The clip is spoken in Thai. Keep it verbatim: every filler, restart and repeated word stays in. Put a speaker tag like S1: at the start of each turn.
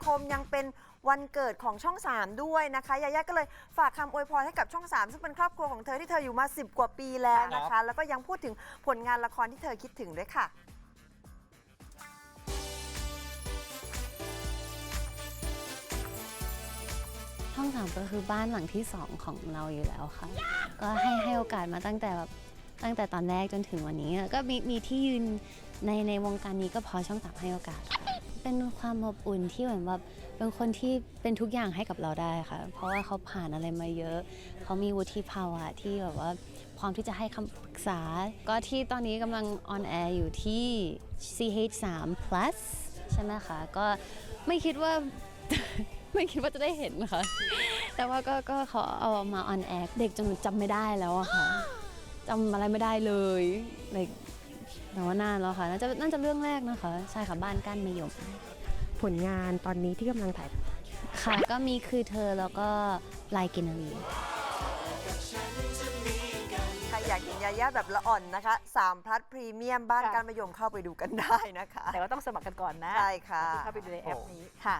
S1: คมยังเป็นวันเกิดของช่องสามด้วยนะคะยาย่าก็เลยฝากคำอวยพรให้กับช่องสามซึ่งเป็นครอบครัวของเธอที่เธออยู่มาสิบกว่าปีแล้วนะคะ แล้วก็ยังพูดถึงผลงานละครที่เธอคิดถึงด้วยค่ะ
S2: ช่องสามก็คือบ้านหลังที่สองของเราอยู่แล้วค่ะ ก็ให้ให้โอกาสมาตั้งแต่แบบตั้งแต่ตอนแรกจนถึงวันนี้ก็มีมีที่ยืนในในวงการนี้ก็เพอช่องสามให้โอกาสค่ะเป็นความอบอุ่นที่เหมือนแบบเป็นคนที่เป็นทุกอย่างให้กับเราได้ค่ะ เพราะว่าเขาผ่านอะไรมาเยอะ เขามีวุฒิภาวะที่แบบว่าพร้อมที่จะให้คำปรึกษา ก็ที่ตอนนี้กำลังออนแอร์อยู่ที่ ซี เอช ทรี plus ใช่ไหมคะก็ไม่คิดว่า ไม่คิดว่าจะได้เห็นค่ะ แต่ว่าก็ก็เขาเอามาออนแอร์เด็กจนหนูจำไม่ได้แล้วอะค่ะจำอะไรไม่ได้เลยเลยแต่ว่านานแล้วค่ะน่าจะน่าจะเรื่องแรกนะคะใช่ค่ะบ้านก้านมะยม
S3: ผลงานตอนนี้ที่กำลังถ่าย
S2: ค่ะก็มีคือเธอแล้วก็ลายกินนารี
S1: ใครอยากเห็นยาย่าแบบละอ่อนนะคะสามพลัดพรีเมียมบ้าน
S4: ค่ะ
S1: การมะยมเข้าไปดูกันได้นะคะ
S4: แต่ว่าต้องสมัครกันก่อนนะ
S1: ใช่ค่ะ
S4: เข้าไปดูในแอปนี้ค่ะ